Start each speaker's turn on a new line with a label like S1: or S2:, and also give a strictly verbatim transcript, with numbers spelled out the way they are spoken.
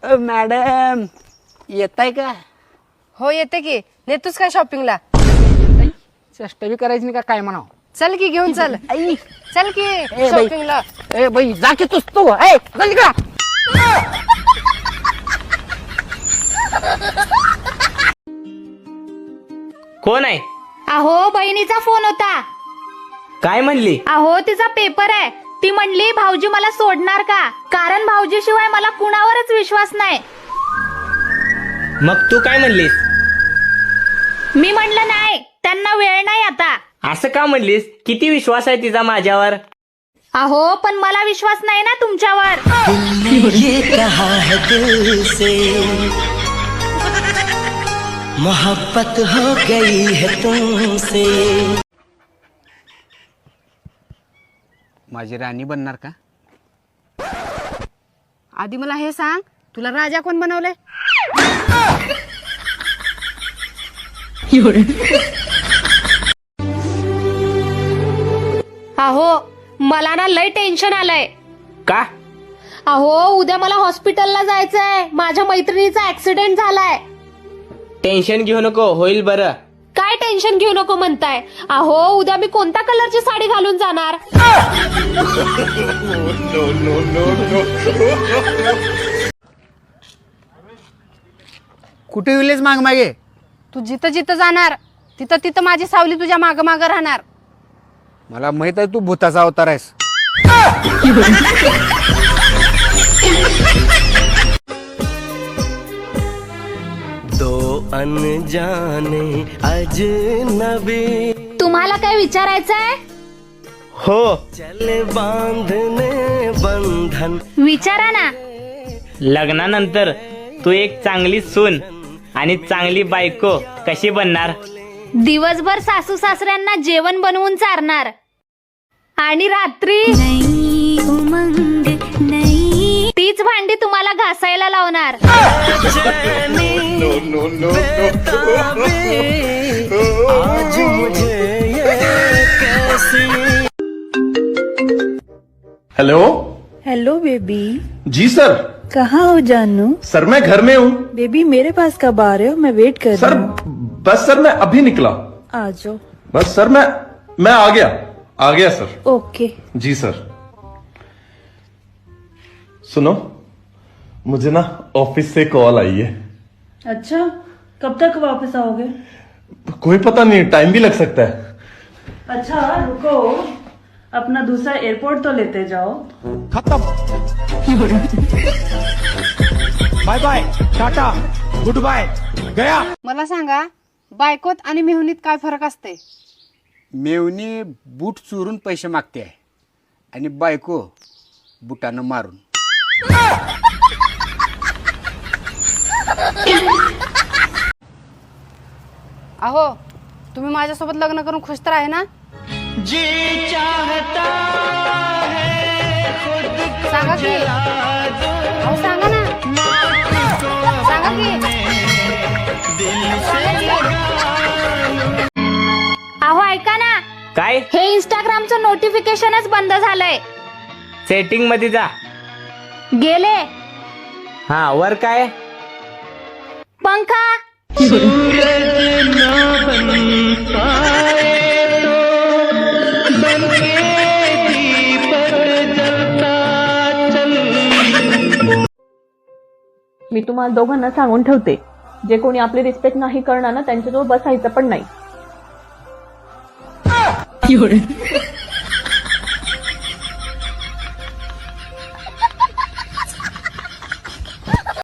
S1: अ, madam येताय का?
S2: हो येते की. नेतोस काय शॉपिंगला?
S1: चेष्टा बी करायची नाही का काय म्हणाव?
S2: चल की घेऊन चल.
S1: आई
S2: चल की
S1: ए बाई
S2: शॉपिंगला.
S1: ए बाई जा की तूच तू ए चल का.
S3: कोण आहे?
S4: अहो बहिणीचा फोन होता.
S3: काय म्हणली?
S4: अहो तिचा पेपर आहे. ती म्हणली भाऊजी मला सोडणार का, कारण भाऊजी शिवाय मला कुणावरच विश्वास नाही.
S3: मग तू काय म्हणलीस?
S4: मी म्हणलं नाही, त्यांना वेळ नाही आता.
S3: असं का म्हणलीस? किती विश्वास आहे तिचा माझ्यावर?
S4: अहो पण मला विश्वास नाही ना तुमच्यावर.
S5: ये कहा है दिल से मोहब्बत हो गई है तुमसे.
S1: माझी राणी बनणार का?
S2: आधी मला हे सांग, तुला राजा कोण बनवलंय?
S4: अहो मला ना लय टेन्शन आलंय.
S3: का?
S4: अहो उद्या मला हॉस्पिटलला जायचंय. माझ्या मैत्रिणीचा ऍक्सिडेंट झालाय.
S3: टेन्शन घेऊ नको, होईल बरं.
S4: काय टेन्शन घेऊ नको म्हणताय? अहो उद्या मी कोणत्या कलरची साडी घालून जाणार?
S1: कुठे विलेज माग मागे?
S2: तू जिथं जिथं जाणार तिथं तिथं माझी सावली तुझ्या माग माग राहणार.
S1: मला माहित आहे तू भूताचा अवतार आहेस.
S5: दो अनजाने अजनबी
S4: तुम्हाला काय विचारायचंय?
S3: हो.
S5: चले बांधने बंधन.
S4: विचारा ना.
S3: लग्नानंतर तू एक चांगली सून आणि चांगली बायको कशी बनणार?
S4: दिवसभर सासू सासऱ्यांना जेवण बनवून चारणार आणि रात्री तीच भांडी तुम्हाला घासायला लावणार.
S5: आज मुझे ये कैसी.
S6: हेलो.
S7: Hello baby.
S6: जी सर.
S7: कहाँ हो जानू?
S6: सर मैं घर में हूँ.
S7: बेबी मेरे पास कब आ रहे हो? मैं वेट कर
S6: सर
S7: रही हूँ.
S6: बस सर मैं अभी निकला.
S7: आ जाओ.
S6: बस सर मैं मैं आ गया आ गया सर.
S7: ओके.
S6: जी सर. सुनो, मुझे ना ऑफिस से कॉल आई है.
S7: अच्छा कब तक वापस आओगे?
S6: कोई पता नहीं, टाइम भी लग सकता है.
S7: अच्छा रुको, अपना दूसरा एयरपोर्ट तो लेते जाओ.
S1: Bye bye tata good bye गया.
S2: मला सांगा, बायकोत आणि मेहुनीत काय फरक असते?
S1: मेवणी बूट चोरून पैसे मागते आहे आणि बायको बुटानं मारून.
S2: अहो तुम्ही माझ्यासोबत लग्न करून खुश तर आहे ना? सांगा की. अहो सांगा ना. सांगा की. सांगा की.
S4: अहो ऐका ना,
S3: काय?
S4: हे इंस्टाग्रामचं नोटिफिकेशनच बंद झालंय.
S3: सेटिंग मध्ये जा.
S4: गेले.
S3: हा वर काय?
S4: पंखा.
S8: मी तुम्हाला दोघांना सांगून ठेवते, जे कोणी आपली रिस्पेक्ट नाही करणार ना त्यांच्याजवळ बसायचं पण नाही.